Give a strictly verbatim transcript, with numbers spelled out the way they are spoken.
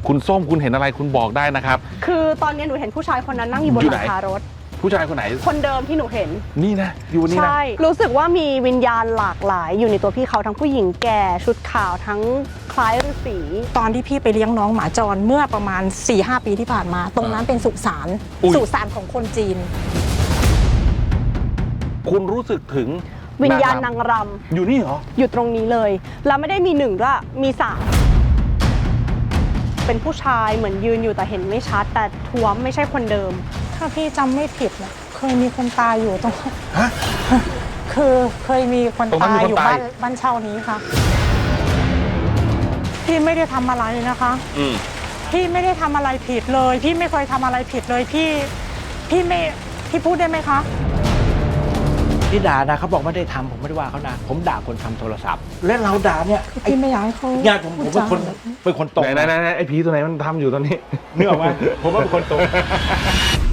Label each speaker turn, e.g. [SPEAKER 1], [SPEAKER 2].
[SPEAKER 1] คุณส้มคุณเห็นอะไรคุณบอกได้นะครับ
[SPEAKER 2] คือตอนนี้หนูเห็นผู้ชายคนนั้นนั่งอยู่บนหลังคารถ
[SPEAKER 1] ผู้ชายคนไหน
[SPEAKER 2] คนเดิมที่หนูเห็น
[SPEAKER 1] นี่นะอยู่นี่นะ
[SPEAKER 2] ใช่รู้สึกว่ามีวิญญาณหลากหลายอยู่ในตัวพี่เขาทั้งผู้หญิงแก่ชุดขาวทั้งคล้ายฤาษี
[SPEAKER 3] ตอนที่พี่ไปเลี้ยงน้องหมาจรเมื่อประมาณ สี่ห้า ปีที่ผ่านมาตรงนั้นเป็นสุสานสุสานของคนจีน
[SPEAKER 1] คุณรู้สึกถึง
[SPEAKER 2] วิญญาณนางรำ
[SPEAKER 1] อยู่นี่เหรอ
[SPEAKER 2] อยู่ตรงนี้เลยแล้วไม่ได้มีหนึ่งด้วยมีสามเป็นผู้ชายเหมือนยืนอยู่แต่เห็นไม่ชัดแต่ท้วมไม่ใช่คนเดิม
[SPEAKER 3] ถ้าพี่จำไม่ผิดนะเคยมีคนตายอยู่ตรง
[SPEAKER 1] ฮะ
[SPEAKER 3] คือเคยมีคนตายอยู่บ้านบ้านเช่านี้ค่ะพี่ไม่ได้ทำอะไรนะคะ
[SPEAKER 1] อืม
[SPEAKER 3] พี่ไม่ได้ทำอะไรผิดเลยพี่ไม่เคยทำอะไรผิดเลยพี่พี่ไม่พี่พูดได้ไหมคะ
[SPEAKER 4] พี่ด่านะเขาบอกไม่ได้ทำผมไม่ได้ว่าเขานะผมด่าคนทำโทรศัพท์และเราด่าเนี่ย
[SPEAKER 3] พี่ไม่อยากให้เขา
[SPEAKER 4] ญาติผมผมเป็นคนเป็นคนตรง
[SPEAKER 1] ไหนไหนไหนไอ้ผีตัวไหนมันทำอยู่ตอนนี้
[SPEAKER 4] นึกออกไหมผมว่าเป็นคนตรง